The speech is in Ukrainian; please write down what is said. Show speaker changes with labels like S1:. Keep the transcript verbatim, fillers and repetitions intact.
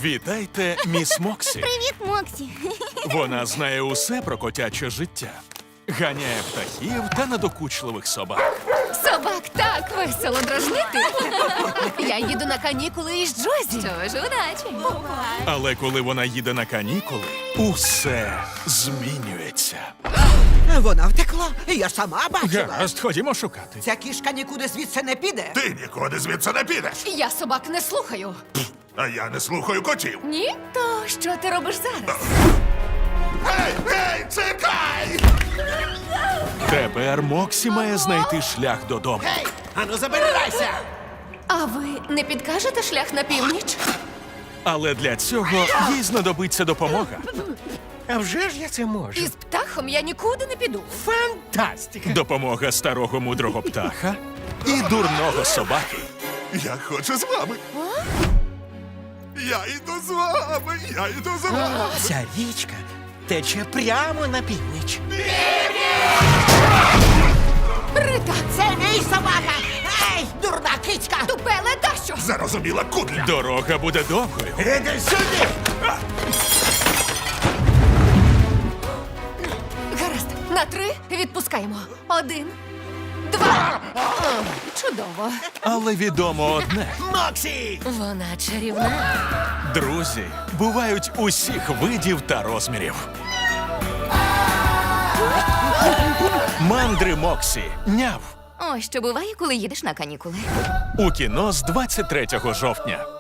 S1: Вітайте, міс Моксі.
S2: Привіт, Моксі.
S1: Вона знає усе про котяче життя. Ганяє птахів та надокучливих собак.
S3: Собак так весело дражнити. Я їду на канікули із Джозі.
S2: Що ж, удачі.
S1: Але коли вона їде на канікули, усе змінюється.
S4: Вона втекла, я сама бачила.
S1: Гаразд, ходімо шукати.
S4: Ця кішка нікуди звідси не піде.
S5: Ти нікуди звідси не підеш.
S3: Я собак не слухаю.
S5: А я не слухаю котів.
S3: Ні? То що ти робиш зараз?
S5: Гей, гей, чекай!
S1: Тепер Моксі має знайти шлях додому.
S4: Гей, ану забирайся!
S3: А ви не підкажете шлях на північ?
S1: Але для цього їй знадобиться допомога.
S6: А вже ж я це можу.
S3: Із птахом я нікуди не піду.
S6: Фантастика!
S1: Допомога старого мудрого птаха і дурного собаки.
S5: Я хочу з вами. Я йду з вами, я йду з вами.
S6: Ця річка тече прямо на північ.
S3: Рита!
S4: Це мій собака! Ей, дурна кицька!
S3: Тупеле дащо!
S5: Зарозуміла кудля.
S1: Дорога буде довгою.
S5: Іди сюди!
S3: Гаразд, на три відпускаємо. Один, два. О, чудово.
S1: Але відомо одне.
S6: Моксі!
S3: Вона чарівна.
S1: Друзі бувають усіх видів та розмірів. Мандри Моксі. Няв.
S2: Ось що буває, коли їдеш на канікули.
S1: У кіно з двадцять третього жовтня.